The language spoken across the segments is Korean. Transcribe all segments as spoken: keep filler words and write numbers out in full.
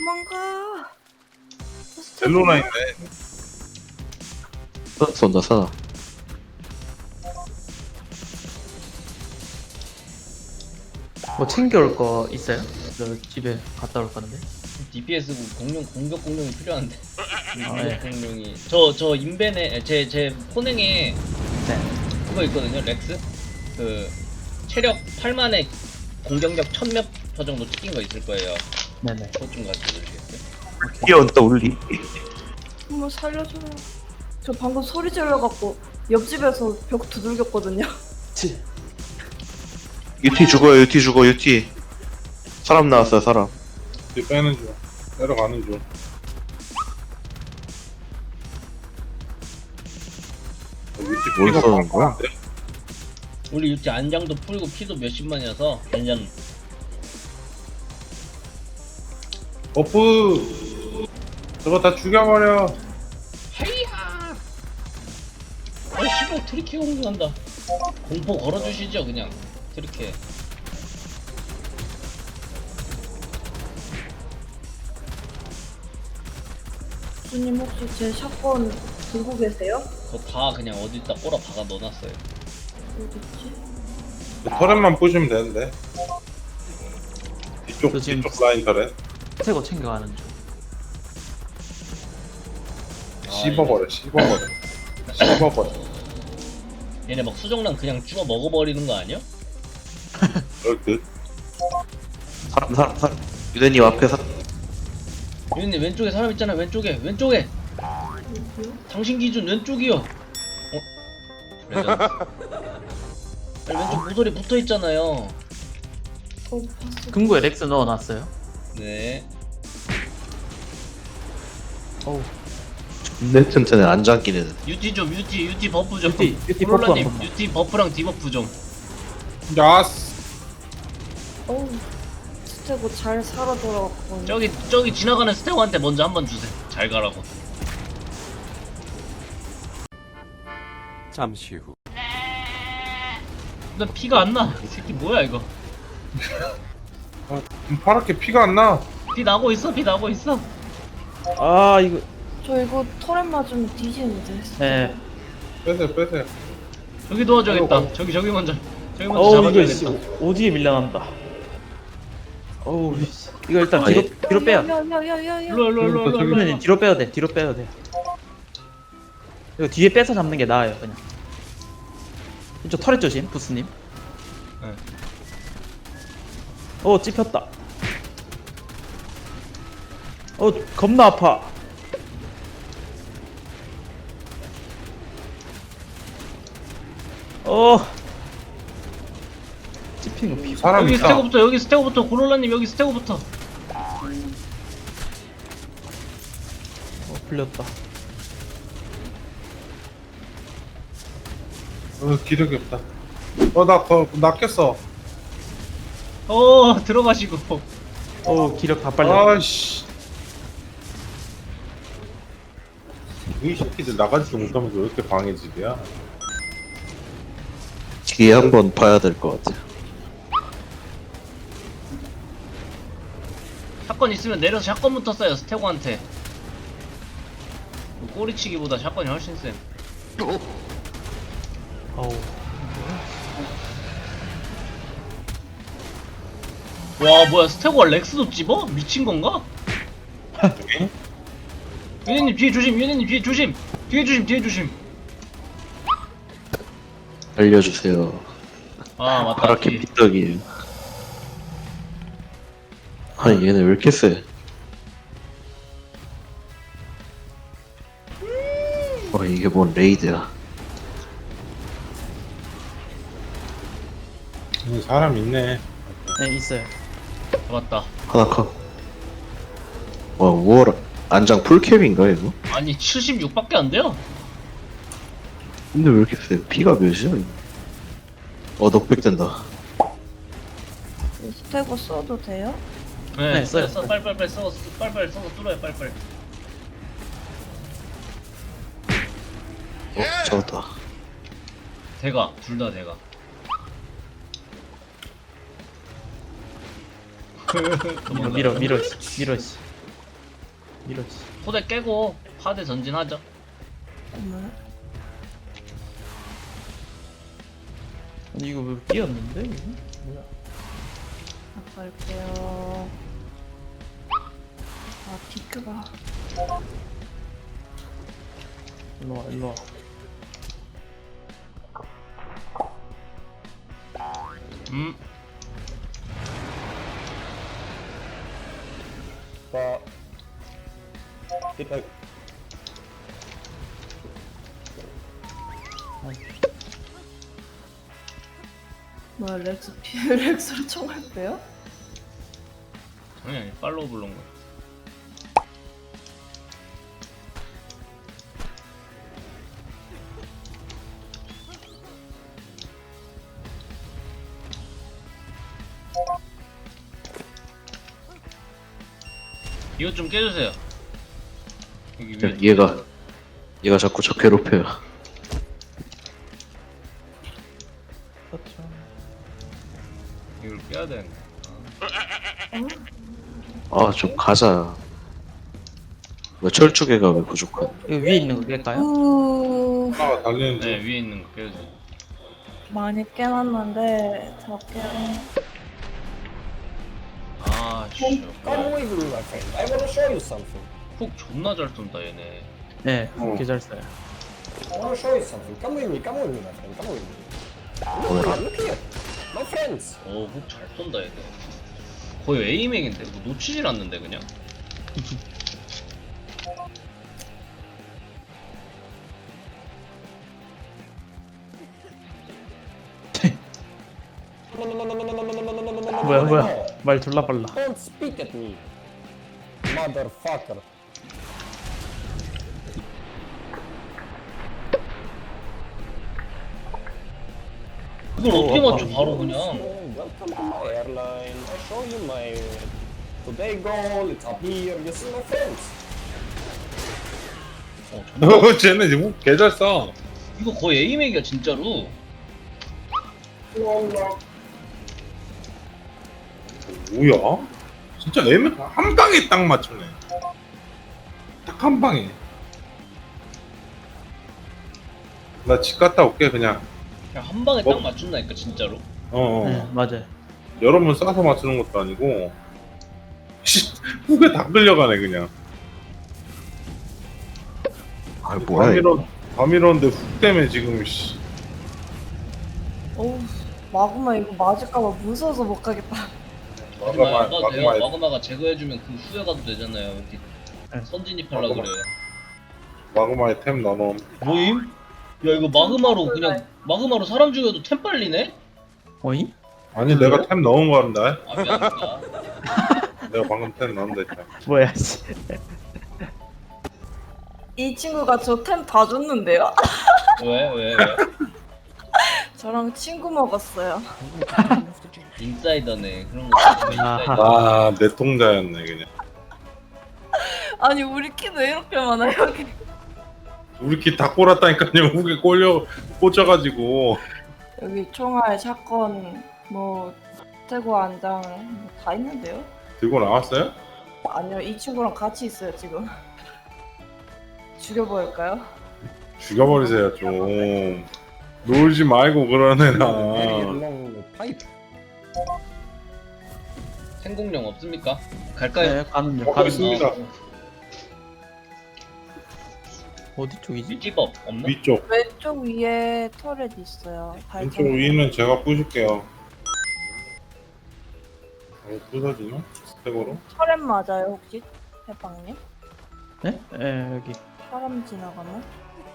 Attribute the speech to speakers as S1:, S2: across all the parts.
S1: 도망가.
S2: 벨로나 있네.
S3: 어, 쏜다 쏴.
S4: 뭐 챙겨올 거 있어요? 저 집에 갔다 올 건데.
S5: 디피에스 공룡 공격 공룡이 필요한데.
S4: 아,
S5: 공격
S4: 네.
S5: 공룡이 저 저 인벤에 제 제 포냉에
S4: 네.
S5: 그거 있거든요. 렉스 그 체력 팔만에 공격력 천몇 표 정도 찍힌 거 있을 거예요.
S4: 네네.
S5: 그것 좀 가지고 오시겠어요?
S3: 뛰어온다 울리.
S1: 한번 살려줘요. 저 방금 소리 질러갖고 옆집에서 벽 두들겼거든요.
S4: 치.
S3: 유티 죽어요 유티 죽어 유티. 사람 나왔어요 사람.
S2: 뒤 빼는 중. 내려가는 중. 위치
S3: 뭘
S2: 피가
S3: 써는 거야?
S2: 빵빵한데?
S5: 우리 유티 안장도 풀고 피도 몇십만이어서 안장
S2: 버프 저거 다 죽여버려.
S5: 하이야. 어 씨발 트리케 공격한다. 공포 걸어주시죠 그냥 트리케.
S1: 주님 혹시 제 샷건 들고 계세요?
S5: 그거 다 그냥 어디다 꼬라 박아 넣어놨어요.
S1: 어딨지?
S2: 터렛만 부시면 되는데. 뒤쪽
S4: 저 지금-
S2: 뒤쪽 라인 터렛.
S4: 새거 챙겨가는 중.
S2: 씹어버려 씹어버려 씹어버려.
S5: 얘네 막 수정란 그냥 쭈어 먹어버리는 거 아니야?
S2: 그럴 듯.
S3: 사람 사람 사람. 유대님 앞에 사.
S5: 유님 왼쪽에 사람 있잖아. 왼쪽에 왼쪽에
S1: 어디요?
S5: 당신 기준 왼쪽이요. 어? 레전드. 아니, 왼쪽 모서리 붙어 있잖아요.
S1: 어 봤어.
S4: 금고에 렉스 넣어놨어요.
S5: 네.
S4: 어우.
S3: 내 튼튼해 안 잠기는.
S5: 유티 좀 유티 유티 버프 좀.
S4: 유티, 유티
S5: 코롤라님,
S4: 버프 한 번만.
S5: 유티 버프랑 디버프 좀.
S2: 야스.
S1: 어우 스테고 잘 살아 돌아왔거든요.
S5: 저기 저기 지나가는 스테고한테 먼저 한번 주세요. 잘 가라고.
S6: 잠시 후.
S5: 나 피가 안 나. 이 새끼 뭐야 이거?
S2: 아, 파랗게 피가 안 나.
S5: 피 나고 있어. 피 나고 있어.
S4: 아 이거.
S1: 저 이거 터렛 맞으면 뒤지는데.
S4: 네.
S2: 빼세요 빼세요.
S5: 저기 도와줘야겠다.
S2: 아이고.
S5: 저기 저기 먼저. 저기 먼저
S4: 어우 이거 씨,
S5: 잡아줘야겠다.
S4: 오지에 밀려난다. 어우 씨. 이거 일단 뒤로 뒤로 빼요.
S1: 야야야야야야.
S5: 일로 일로 일로 일로 일로.
S4: 유대님 뒤로 빼야 돼. 뒤로 빼야 돼. 이거 뒤에 빼서 잡는 게 나아요 그냥. 이쪽 터렛 조심 부스님.
S5: 네.
S4: 어 찝혔다. 어 겁나 아파. 어 찝힌 거 피.
S2: 사람
S5: 여기
S2: 있다.
S5: 스테고부터 여기 스테고부터 고롤라님 여기 스테고부터.
S4: 어 풀렸다.
S2: 어 기력이 없다. 어나 나 깼어.
S5: 어 들어가시고.
S4: 어 기력 다 빨려.
S2: 아씨. 이 새끼들 나가지도 못하면서 왜 이렇게 방해질이야?
S3: 뒤에 한번 봐야 될 것 같아.
S5: 샷건 있으면 내려서 샷건부터 쏴요 스테고한테. 꼬리치기보다 샷건이 훨씬 쌤.
S4: 어우
S5: 와 뭐야 스테고가 렉스도 찝어? 미친 건가? 유네님 뒤에 조심. 유네님 뒤에 조심. 뒤에 조심. 뒤에 조심.
S3: 알려주세요.
S5: 아 맞다.
S3: 파랗게
S5: 뒤에.
S3: 삐떡이에요. 아니 얘네 왜 이렇게 세? 어 이게 뭔 레이드야?
S2: 음, 사람 있네.
S4: 네 있어요.
S5: 맞다.
S3: 하나 컷. 와 우월 안장 풀캡인가 이거?
S5: 아니 칠십육밖에 안 돼요?
S3: 근데 왜 이렇게 세? 피가 몇이야 이거? 어 넉백 된다.
S1: 스테고 써도 돼요?
S5: 네,
S4: 네, 써요.
S5: 써, 빨빨빨 써, 빨빨 써서 뚫어요, 빨빨.
S3: 어 잡았다.
S5: 대가, 둘 다 대가.
S4: 밀어 밀어 밀어 씨, 밀어 씨. 이러지.
S5: 토대 깨고 파대 전진하죠.
S1: 네.
S4: 아니 이거 왜 끼었는데? 이거? 뭐야?
S1: 갈게요. 아, 디크가.
S4: 일로 와 일로 와.
S5: 음.
S6: 자, 일단
S1: 뭐야, 렉스 피, 렉스로 총알 빼요?
S5: 당연히 팔로우 불른 거. 이것 좀 깨주세요. 여기 위에.
S3: 얘가 얘가 자꾸 저 괴롭혀요.
S4: 그렇죠.
S5: 이걸 깨야 되는 거.
S3: 아 좀 가자. 왜 철쭉애가 왜 부족한?
S4: 이거 위에 있는 거 깰까요?
S1: 우,
S2: 하나가 달리는지.
S5: 네, 위에 있는 거 깨주세요.
S1: 많이 깨놨는데, 저 깨.
S5: 아, 씨.
S6: come with me, my friend. I wanna show you something.
S5: 훅 존나 잘 쏜다 얘네.
S4: 네,
S2: 어.
S4: 개 잘 써요.
S6: I wanna show you something. Come with me, come with me, my friend. Come with me. Look here, look here. My friends.
S5: 어, 훅 잘 쏜다 얘네. 거의 에이맥인데 뭐 놓치질 않는데 그냥.
S6: No, no, no, no, no, no, no, no, no, no, no, no, no,
S4: 뭐야
S6: no,
S4: 뭐야?
S6: no.
S4: 말 졸라 빨라.
S6: Don't speak at me, motherfucker.
S5: 이걸 어떻게
S4: 어,
S5: 맞춰 바로 그냥.
S6: Oh, welcome to my airline. I show you my today goal. It's up here. You see my friends.
S5: 어, 존나.
S2: 어, 쟤네 지금 개잘 써.
S5: 이거 거의 에이맥이야 진짜로.
S2: 뭐야? 진짜 애매 한 방에 딱 맞추네. 딱 한 방에. 나 집 갔다 올게 그냥.
S5: 그냥 한 방에
S2: 뭐?
S5: 딱 맞춘다니까 진짜로.
S2: 어. 어.
S4: 네, 맞아요.
S2: 여러 번 싸서 맞추는 것도 아니고. 씨, 후에 다 끌려가네 그냥.
S3: 아 뭐야
S2: 다
S3: 이거?
S2: 밀어, 다 밀었는데 훅 때문에 지금 씨.
S1: 어우, 마구마 이거 맞을까봐 무서워서 못 가겠다.
S5: 마그마
S2: 마그마,
S5: 안 가도 돼요.
S2: 마그마.
S5: 마그마가 제거해주면 그 후에 가도 되잖아요. 어디
S4: 네.
S5: 선진입하려
S2: 마그마.
S5: 그래.
S2: 마그마에 템 넣어놓은.
S5: 뭐임? 야 이거 마그마로 그냥 마그마로 사람 죽여도 템 빨리네?
S4: 어이?
S2: 아니 내가 템 넣은 거 한다.
S5: 아 미안하다.
S2: 내가 방금 템 넣은다 했잖아.
S4: 뭐야 씨.
S1: 이 친구가 저 템 다 줬는데요?
S5: 왜? 왜? 왜?
S1: 저랑 친구 먹었어요.
S5: 인사이더네. 그런 거 진짜 인사이더.
S2: 아, 내 통자였네 그냥.
S1: 아니, 우리 키도 이렇게 많아, 여기.
S2: 우리 키 다 꼬랐다니까요. 후에 꼴려 꽂혀가지고.
S1: 여기 총알, 샷건, 뭐, 태고 안장, 뭐다 있는데요?
S2: 들고 나왔어요?
S1: 아니요, 이 친구랑 같이 있어요, 지금. 죽여버릴까요?
S2: 죽여버리세요 좀. 놀지 말고 그러네
S6: Very
S2: 나.
S6: long pipe.
S5: 생공령 없습니까? 갈까요?
S4: 네, 가는 중.
S2: 먹고
S4: 가는 중.
S2: 있습니다.
S4: 어디 쪽이지?
S5: 위집업 없나?
S2: 위쪽.
S1: 왼쪽 위에 터렛 있어요.
S2: 왼쪽
S1: 발전.
S2: 위는 제가 부실게요. 어, 부서지나? 스택으로?
S1: 터렛 맞아요, 혹시? 해방님?
S4: 네? 네 여기
S1: 사람 지나가면?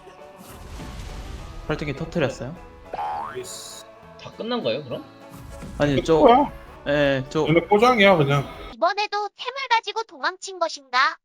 S4: 발전기 터트렸어요.
S5: 다 끝난 거예요 그럼?
S4: 아니 저,
S2: 뭐야?
S4: 예, 저
S2: 얘네 꼬장이야 그냥.
S7: 이번에도 템을 가지고 도망친 것인가?